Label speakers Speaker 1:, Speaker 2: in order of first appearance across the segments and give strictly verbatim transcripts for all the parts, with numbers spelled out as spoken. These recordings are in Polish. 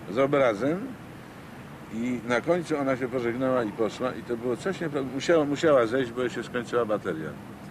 Speaker 1: z obrazem i na końcu ona się pożegnała i poszła i to było coś nieprawdopodobnego. Musiała, musiała zejść, bo jej się skończyła bateria.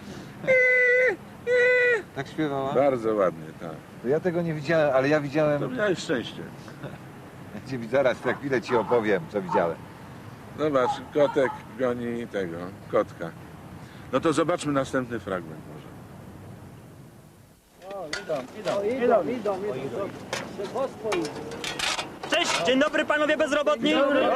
Speaker 2: Tak śpiewała?
Speaker 1: Bardzo ładnie, tak.
Speaker 2: To ja tego nie widziałem, ale ja widziałem...
Speaker 1: To miałeś szczęście.
Speaker 2: Gdzie zaraz za chwilę ci opowiem, co widziałem.
Speaker 1: Zobacz, kotek goni tego, kotka. No to zobaczmy następny fragment może.
Speaker 3: Idą, idą, idą.
Speaker 4: Cześć, dzień dobry panowie bezrobotni.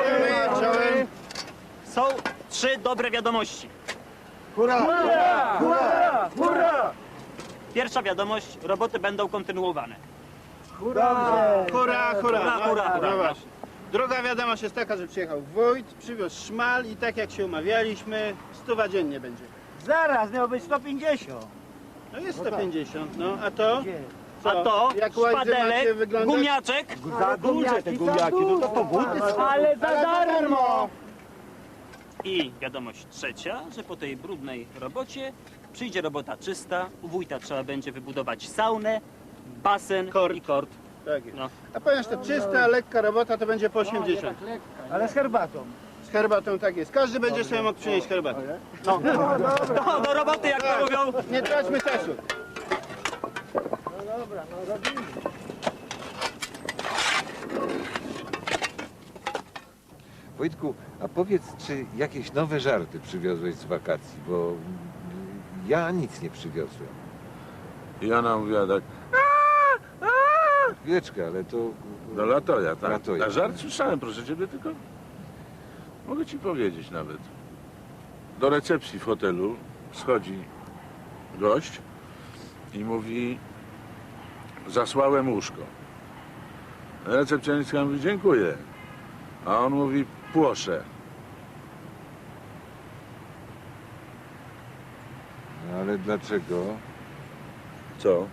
Speaker 4: Są trzy dobre wiadomości.
Speaker 3: Hurra! Hurra! Hurra!
Speaker 4: Pierwsza wiadomość, roboty będą kontynuowane.
Speaker 3: Hurra!
Speaker 5: Hurra, hurra,
Speaker 4: Hurra,
Speaker 5: no,
Speaker 4: hurra, hurra.
Speaker 5: no właśnie. Druga wiadomość jest taka, że przyjechał wójt, przywiózł szmal i tak jak się umawialiśmy, stuwa dziennie będzie.
Speaker 3: Zaraz, miało być sto pięćdziesiąt.
Speaker 5: No jest sto pięćdziesiąt, no a to?
Speaker 4: A to
Speaker 5: Jak łaździe macie
Speaker 4: szpadelek,
Speaker 5: wyglądać?
Speaker 4: gumiaczek.
Speaker 3: Za duże te gumiaki, no to to buty są. Ale za darmo!
Speaker 4: I wiadomość trzecia, że po tej brudnej robocie przyjdzie robota czysta. U wójta trzeba będzie wybudować saunę, basen
Speaker 5: Kort.
Speaker 4: i kort.
Speaker 5: Tak jest.
Speaker 4: No.
Speaker 5: A ponieważ to czysta, lekka robota, to będzie po osiemdziesiąt.
Speaker 3: Ale z herbatą.
Speaker 5: Z herbatą tak jest. Każdy będzie sobie mógł przynieść herbatę.
Speaker 4: No. No, do roboty, jak to mówią.
Speaker 5: Nie traćmy czasu.
Speaker 3: No dobra, no robimy.
Speaker 2: Wojtku, a powiedz, czy jakieś nowe żarty przywiozłeś z wakacji, bo ja nic nie przywiozłem.
Speaker 1: I ona mówiła tak,
Speaker 2: Chwileczkę, ale to...
Speaker 1: no latoja, tak.
Speaker 2: Latoja.
Speaker 1: A żart słyszałem, proszę ciebie, tylko mogę ci powiedzieć nawet. Do recepcji w hotelu schodzi gość i mówi, zasłałem łóżko. Recepcjonistka mówi, dziękuję. A on mówi, płoszę.
Speaker 2: No ale dlaczego?
Speaker 1: Co?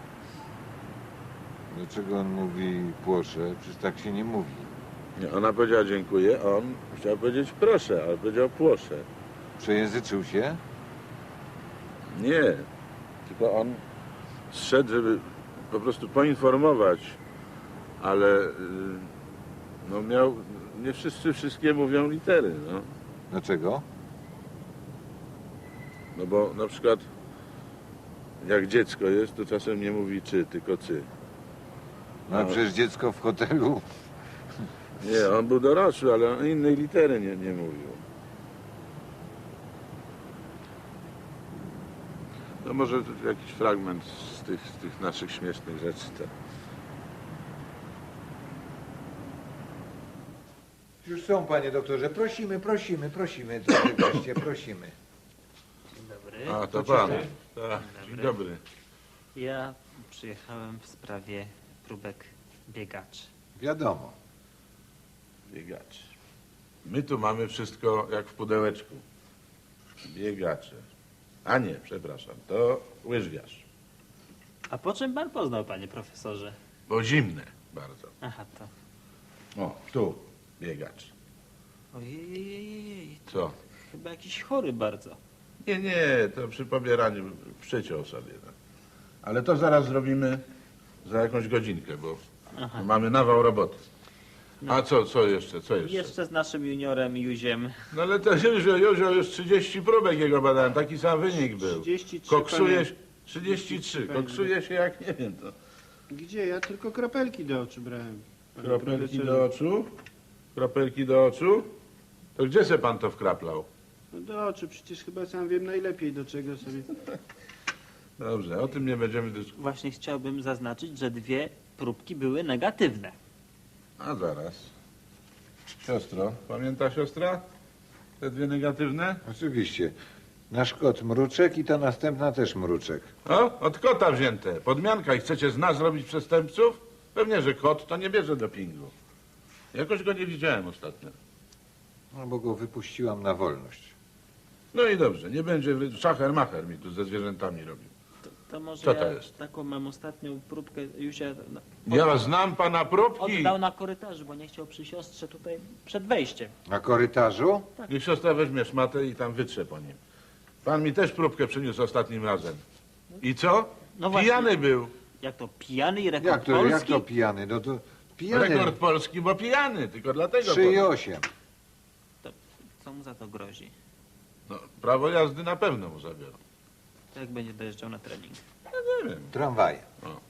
Speaker 2: Dlaczego on mówi płoszę? Przecież tak się nie mówi.
Speaker 1: Nie, ona powiedziała dziękuję, a on chciał powiedzieć proszę, ale powiedział płoszę.
Speaker 2: Przejęzyczył się?
Speaker 1: Nie, tylko on zszedł, żeby po prostu poinformować, ale y, no miał, nie wszyscy wszystkie mówią litery, no.
Speaker 2: Dlaczego?
Speaker 1: No bo na przykład jak dziecko jest, to czasem nie mówi czy, tylko cy.
Speaker 2: No a przecież dziecko w hotelu...
Speaker 1: Nie, on był dorosły, ale on innej litery nie, nie mówił. No może to jakiś fragment z tych, z tych naszych śmiesznych rzeczy. To.
Speaker 2: Już są, panie doktorze. Prosimy, prosimy, prosimy. Drogie goście, prosimy.
Speaker 4: Dzień dobry.
Speaker 1: A, to pan. Tak, dzień dobry.
Speaker 4: Ja przyjechałem w sprawie próbek biegaczy.
Speaker 2: Wiadomo.
Speaker 1: Biegacze. My tu mamy wszystko jak w pudełeczku. Biegacze. A nie, przepraszam, to łyżwiarz.
Speaker 4: A po czym pan poznał, panie profesorze?
Speaker 1: Bo zimne bardzo.
Speaker 4: Aha, to.
Speaker 1: O, tu biegacz.
Speaker 4: Ojej,
Speaker 1: Co?
Speaker 4: chyba jakiś chory bardzo.
Speaker 1: Nie, nie, to przy pobieraniu przyciął sobie. Tak. Ale to zaraz zrobimy za jakąś godzinkę, bo
Speaker 4: Aha.
Speaker 1: mamy nawał roboty. A co, co jeszcze, co jeszcze?
Speaker 4: Jeszcze z naszym juniorem Juziem.
Speaker 1: No ale to Józio, Józio, już trzydzieści próbek jego badałem, taki sam wynik był.
Speaker 5: trzydzieści trzy,
Speaker 1: Koksuje
Speaker 5: panie.
Speaker 1: się, trzydzieści trzy, koksuje się jak nie wiem to.
Speaker 5: Gdzie? Ja tylko kropelki do oczu brałem. panie
Speaker 1: Kropelki
Speaker 5: profesorze.
Speaker 1: do oczu? Kropelki do oczu? To gdzie se pan to wkraplał?
Speaker 5: No do oczu, przecież chyba sam wiem najlepiej do czego sobie...
Speaker 1: Dobrze, o tym nie będziemy dyskutować.
Speaker 4: Właśnie chciałbym zaznaczyć, że dwie próbki były negatywne.
Speaker 1: A zaraz. Siostro, pamięta siostra? Te dwie negatywne?
Speaker 2: Oczywiście. Nasz kot mruczek i ta następna też mruczek.
Speaker 1: O, od kota wzięte. Podmianka i chcecie z nas zrobić przestępców? Pewnie, że kot to nie bierze dopingu. Jakoś go nie widziałem ostatnio.
Speaker 2: No bo go wypuściłam na wolność.
Speaker 1: No i dobrze, nie będzie szacher macher mi tu ze zwierzętami robił.
Speaker 4: To, to może
Speaker 1: Co to
Speaker 4: ja
Speaker 1: jest?
Speaker 4: taką mam ostatnią próbkę Juzia no,
Speaker 1: Ja znam pana próbki.
Speaker 4: oddał na korytarzu, bo nie chciał przy siostrze tutaj przed wejściem.
Speaker 2: Na korytarzu?
Speaker 1: Niech siostra weźmie szmatę i tam wytrze po nim. Pan mi też próbkę przyniósł ostatnim razem. I co?
Speaker 4: No właśnie.
Speaker 1: Pijany był.
Speaker 4: Jak to pijany i rekord
Speaker 2: Jak to,
Speaker 4: polski?
Speaker 2: jak to pijany? No to Pijany.
Speaker 1: Rekord polski, bo pijany, tylko dlatego.
Speaker 2: trzy i osiem.
Speaker 4: To co mu za to grozi?
Speaker 1: No, prawo jazdy na pewno mu zabiorą.
Speaker 4: To jak będzie dojeżdżał na trening?
Speaker 1: Nie wiem.
Speaker 2: Tramwaje.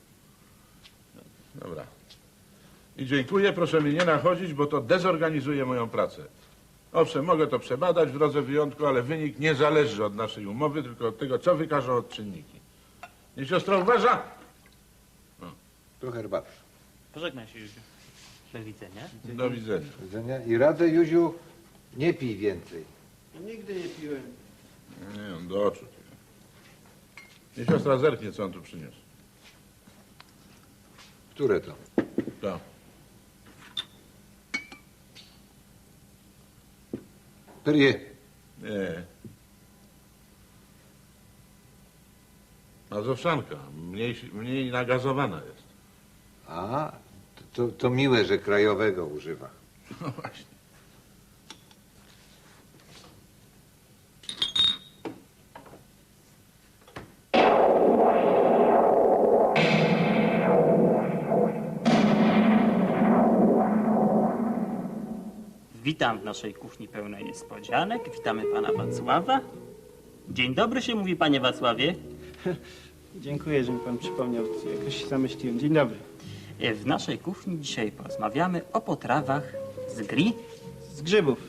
Speaker 1: Dobra. I dziękuję, proszę mnie nie nachodzić, bo to dezorganizuje moją pracę. Owszem, mogę to przebadać w drodze wyjątku, ale wynik nie zależy od naszej umowy, tylko od tego, co wykażą odczynniki. Niech siostra uważa.
Speaker 2: Tu herbaty.
Speaker 4: Pożegnaj się, Józiu. Do widzenia.
Speaker 1: Do widzenia.
Speaker 2: Do widzenia. I radzę, Józiu, nie pij więcej.
Speaker 5: Nigdy nie piłem.
Speaker 1: Nie, on do oczu. Niech siostra zerknie, co on tu przyniósł.
Speaker 2: Które to?
Speaker 1: To.
Speaker 2: Perrier.
Speaker 1: Nie. Mazowszanka. Mniej, mniej nagazowana jest.
Speaker 2: A, to, to miłe, że krajowego używa.
Speaker 1: No właśnie.
Speaker 4: Witam w naszej kuchni pełnej niespodzianek. Witamy pana Wacława. Dzień dobry się mówi, panie Wacławie.
Speaker 5: Dziękuję, że mi pan przypomniał. Jakoś się zamyśliłem. Dzień dobry.
Speaker 4: W naszej kuchni dzisiaj porozmawiamy o potrawach z gri.
Speaker 5: Z grzybów.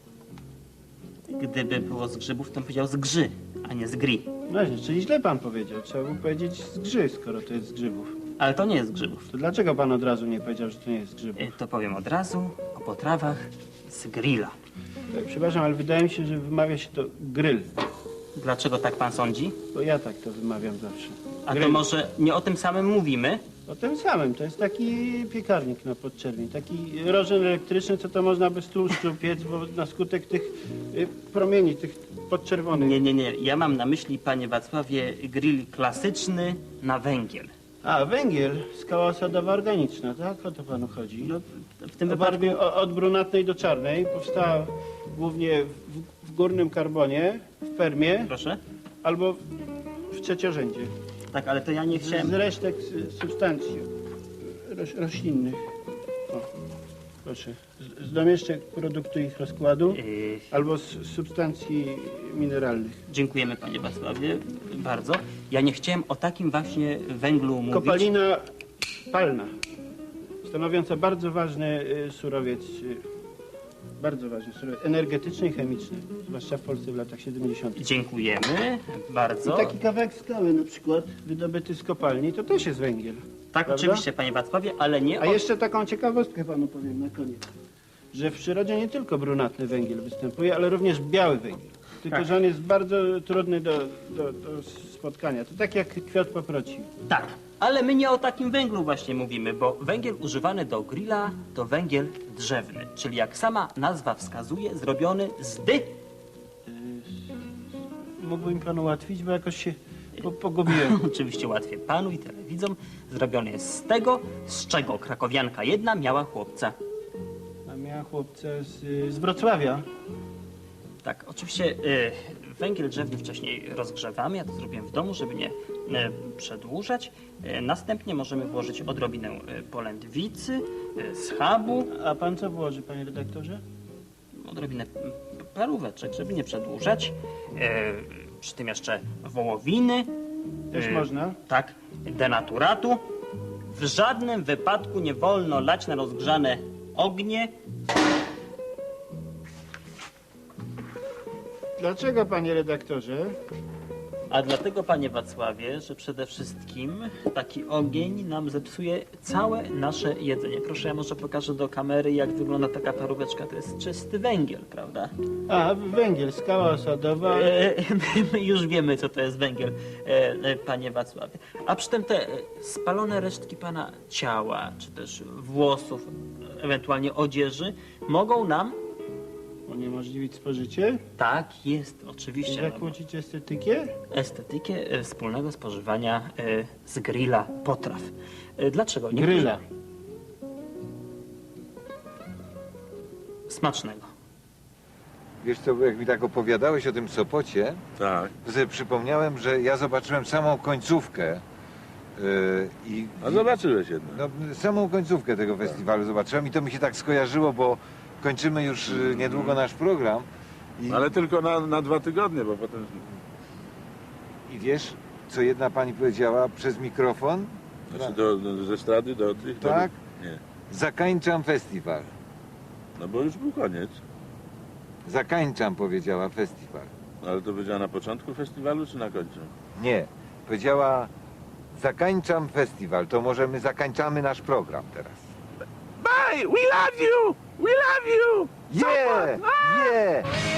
Speaker 4: Gdyby było z grzybów, to bym powiedział z grzy, a nie z gri.
Speaker 5: Właśnie, czyli źle pan powiedział. Trzeba było powiedzieć z grzy, skoro to jest z grzybów.
Speaker 4: Ale to nie jest z grzybów.
Speaker 5: To dlaczego pan od razu nie powiedział, że to nie jest z grzybów?
Speaker 4: E, To powiem od razu o potrawach z grilla.
Speaker 5: Tak, przepraszam, ale wydaje mi się, że wymawia się to grill.
Speaker 4: Dlaczego tak pan sądzi?
Speaker 5: Bo ja tak to wymawiam zawsze.
Speaker 4: A to
Speaker 5: Grill.
Speaker 4: może nie o tym samym mówimy?
Speaker 5: O tym samym. To jest taki piekarnik na podczerwień. Taki rożen elektryczny, co to można bez tłuszczu piec, bo na skutek tych y, promieni, tych podczerwonych.
Speaker 4: Nie, nie, nie. Ja mam na myśli, panie Wacławie, grill klasyczny na węgiel.
Speaker 5: A, węgiel, skała osadowa organiczna, tak? O to panu chodzi.
Speaker 4: No, w tym
Speaker 5: W
Speaker 4: wypadku...
Speaker 5: barwie o- od brunatnej do czarnej. Powstała głównie w, w górnym karbonie, w permie,
Speaker 4: Proszę?
Speaker 5: albo w trzeciorzędzie.
Speaker 4: Tak, ale to ja nie
Speaker 5: Z
Speaker 4: chciałem...
Speaker 5: resztek s- substancji roś, roślinnych. O, proszę. Z, z domieszczek produktu ich rozkładu,
Speaker 4: Yy,
Speaker 5: albo z substancji mineralnych.
Speaker 4: dziękujemy, panie Wacławie, bardzo. Ja nie chciałem o takim właśnie węglu mówić.
Speaker 5: Kopalina palna, stanowiąca bardzo ważny y, surowiec, y, bardzo ważny surowiec energetyczny i chemiczny, zwłaszcza w Polsce w latach siedemdziesiątych.
Speaker 4: Dziękujemy bardzo.
Speaker 5: I taki kawałek skały na przykład, wydobyty z kopalni, to też jest węgiel.
Speaker 4: Tak,
Speaker 5: prawda?
Speaker 4: oczywiście, panie Wacławie, ale nie
Speaker 5: A
Speaker 4: o...
Speaker 5: jeszcze taką ciekawostkę panu powiem na koniec, że w przyrodzie nie tylko brunatny węgiel występuje, ale również biały węgiel. Tylko,
Speaker 4: Tak.
Speaker 5: że on jest bardzo trudny do, do, do spotkania. To tak jak kwiat paproci.
Speaker 4: Tak, ale my nie o takim węglu właśnie mówimy, bo węgiel używany do grilla to węgiel drzewny, czyli jak sama nazwa wskazuje, zrobiony z dy...
Speaker 5: Mógłby mi pan ułatwić, bo jakoś się po, pogubiłem.
Speaker 4: Oczywiście łatwiej panu i telewidzom. Zrobiony jest z tego, z czego krakowianka jedna miała chłopca.
Speaker 5: A miała chłopca z, z Wrocławia.
Speaker 4: Tak, oczywiście y, węgiel drzewny wcześniej rozgrzewamy, ja to zrobiłem w domu, żeby nie y, przedłużać. Y, następnie możemy włożyć odrobinę y, polędwicy, y, schabu,
Speaker 5: A pan co włoży, panie redaktorze?
Speaker 4: odrobinę y, paróweczek, żeby nie przedłużać. Y, przy tym jeszcze wołowiny.
Speaker 5: Też
Speaker 4: y,
Speaker 5: można.
Speaker 4: Tak, denaturatu. W żadnym wypadku nie wolno lać na rozgrzane ognie.
Speaker 5: Dlaczego, panie redaktorze?
Speaker 4: A dlatego, panie Wacławie, że przede wszystkim taki ogień nam zepsuje całe nasze jedzenie. Proszę, ja może pokażę do kamery, jak wygląda taka paróweczka. To jest czysty węgiel, prawda?
Speaker 5: A, węgiel, skała osadowa.
Speaker 4: E, my, my już wiemy, co to jest węgiel, e, e, panie Wacławie. A przy tym te e, spalone resztki pana ciała, czy też włosów, ewentualnie odzieży, mogą nam...
Speaker 5: Uniemożliwić spożycie?
Speaker 4: Tak, jest, oczywiście. no,
Speaker 5: Zakłócić estetykę?
Speaker 4: estetykę e, wspólnego spożywania e, z grilla potraw. E, Dlaczego? Niektórzy-
Speaker 5: Gryla.
Speaker 4: Smacznego.
Speaker 2: Wiesz co, jak mi tak opowiadałeś o tym Sopocie,
Speaker 1: Tak.
Speaker 2: to sobie przypomniałem, że ja zobaczyłem samą końcówkę Yy, i,
Speaker 1: A zobaczyłeś jednak.
Speaker 2: No, samą końcówkę tego festiwalu zobaczyłem i to mi się tak skojarzyło, bo kończymy już y, niedługo nasz program. I,
Speaker 1: Ale tylko na, na dwa tygodnie, bo potem...
Speaker 2: I wiesz, co jedna pani powiedziała przez mikrofon?
Speaker 1: Znaczy do, do, ze strady do tych...
Speaker 2: Tak?
Speaker 1: Do... Nie.
Speaker 2: Zakańczam festiwal.
Speaker 1: No bo już był koniec.
Speaker 2: Zakańczam, powiedziała festiwal.
Speaker 1: Ale to powiedziała na początku festiwalu, czy na końcu?
Speaker 2: Nie, powiedziała zakańczam festiwal, to może my zakańczamy nasz program teraz.
Speaker 1: Bye! We love you! We love you!
Speaker 2: Yeah! Yeah!